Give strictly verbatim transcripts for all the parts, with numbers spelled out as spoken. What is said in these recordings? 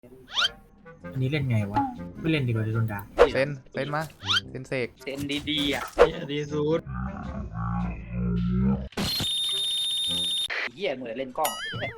อันนี้เล่นไงวะไม่เล่นดีกว่าจะโดนด่าเซนเซนมาเซนเสกเซนดีๆอ่ะดีสุดเหี้ยเหมือนเล่นกล้อง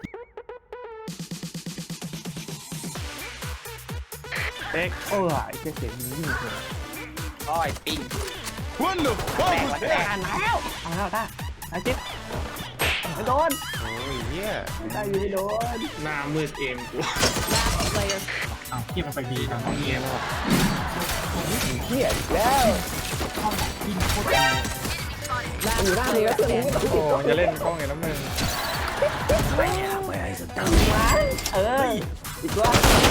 เอ็กโอ้ยไอ้เสียงนี้นี่เหรออ้อยปิ้ง What the แต fuck ก was วันแต that? กอ่านแล้วเอาแล้วได้ไอ้จิ๊บไม่โดนโอ้ยเหี้ยได้อยู่ไม่โดนหน้ามืดเกมกูอ้าวที่มันไปดีตอนนี้เงียบเหี้ยอีกแล้วที่โคตรดีอยู่หน้าเลยแล้วตัวนี้ไม่ต้องโอ้ยจะเล่นกล้องไงน้ำหนึ่งเอออีกว่า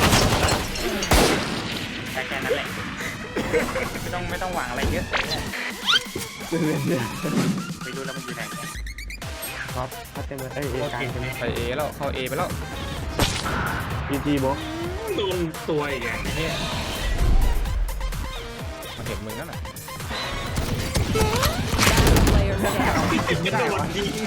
แค่แค่นั้นแหละไม่ต้องไม่ต้องหวังอะไรเยอะไปดูแล้วมันอยู่ไหนครับถ้าเต็มเลยเอ้ยเอการใช่ไหมไปเอแล้วเข้าเอไปแล้วพีจีโบโดนตัวอีกอ่ะเนี่ยมันเห็นมึงนั่นน่ะไม่โดนยิง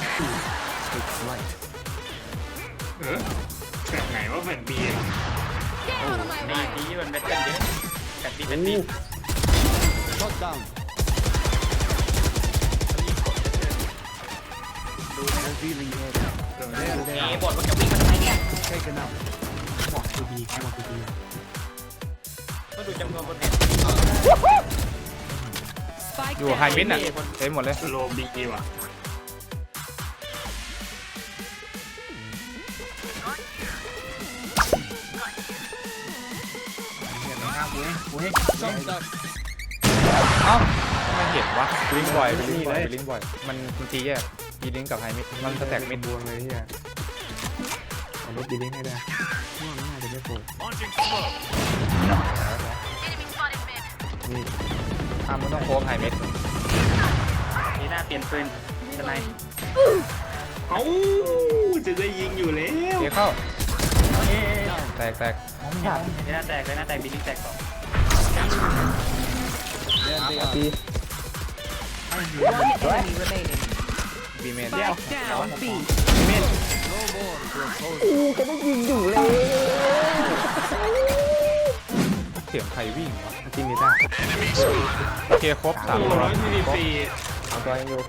เออแบบไหนว่าแผ่นบีอ่ะดีดีมันเป็นกันเยอะกันดีกันดี เอ๋บทมันจะวิ่งมาทำไมเนี่ยบอกคือดีแค่บอกคือดีก็ดูจำนวนบนแผ่นอยู่ไฮมิดน่ะเต็มหมดเลยโลบีว่ะเห็นไหมครับเว้ยเว้ยเอ้าไม่เห็นวะลิงบ่อยลิงบ่อยลิงบ่อยมันมันตีแยกตีลิงกับไฮมิดมันสแต็กมิดบวงเลยเฮียเอารถดีลิงให้ได้ว่าไม่น่าจะไม่โผล่นี่อ้ามันต้องโค้งไฮมิดนี่น่าเปลี่ยนปืนทำไมเอ้าจะได้ยิงอยู่แล้วเอเข้าแตกแตกมองไม่เห็นนี่น่าแตกเลยน่าแตกบินนี่แตกสองปีบีเมนเดียวอู้จะได้ยิงอยู่เลยเสียงใครวิ่งวะจริงนี่จ้าโอเคครบสามโอ้ตัวร้อยสี่สิบสี่สามตัวยังอยู่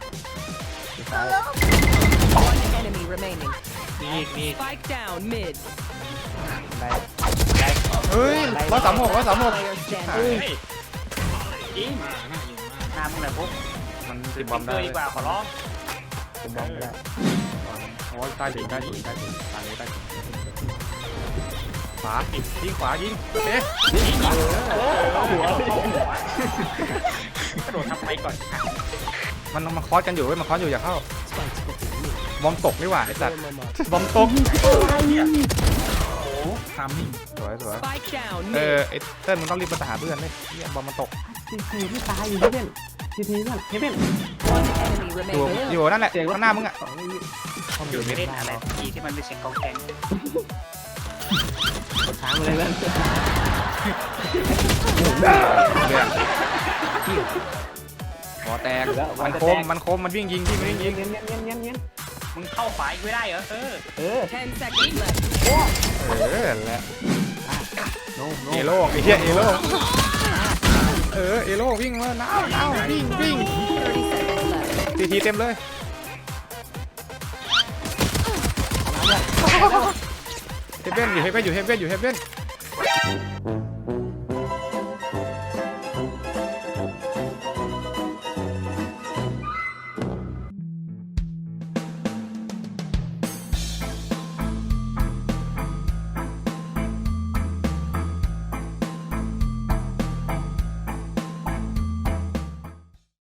One enemy remaining. นี่อีกนี่ Spike down mid. ได้เฮ้ยร้อยสามหกร้อยสามหก Player standing. เฮ้ยอีมาหน้าอยู่มากหน้ามึงเลยปุ๊บมันติดบบออมมได้ดีกว่าขอร้องผมบอมไม่ได้โอ้ยใต้ถึงใต้ถึงใต้ถึงทางนี้ใต้ถึงขวายิงขวายิงเอ๊ะกระโดดทำไปก่อนมันมันคอสกันอยู่เว้ยมันคอสอยู่อย่าเข้าบอมตกนี่หว่าไอ้สัตว์บอมตกโอ้ทามมิ่งสวยสวย Spike down เอ mid. อไอ้เติ้ลมึงต้องรีบไปหาเพื่อนเลยเนี่ยบอมมันตกทีทีที่ตายอยู่ที่เป็นทีทีนั่นเฮเว่น One enemy อยู่ remaining. อยู่นั่นแหละข้างหน้ามึงอ่ะอยู่ไม่เล่นอะไรที่ที่มันเป็นเสียงกองแกงช้างเลยเพื่อนเนี่ยหัวแตกมันคมมันคมมันวิ่งยิงที่มันวิ่งยิงเงี้ยเงี้ยเงี้ยเงี้ยเงี้ยมึงเข้าขวาอีกไม่ได้เหรอเออเออ Ten seconds left. เออแหละโน้โน้เอโล่ไอ้เหี้ยเอโล่เออเอโล่วิ่งมาน้าวน้าววิ่งวิ่ง Thirty seconds left. ทีทีเต็มเลยเฮเว่นอยู่เฮเว่นอยู่เฮเว่นอยู่เฮเว่น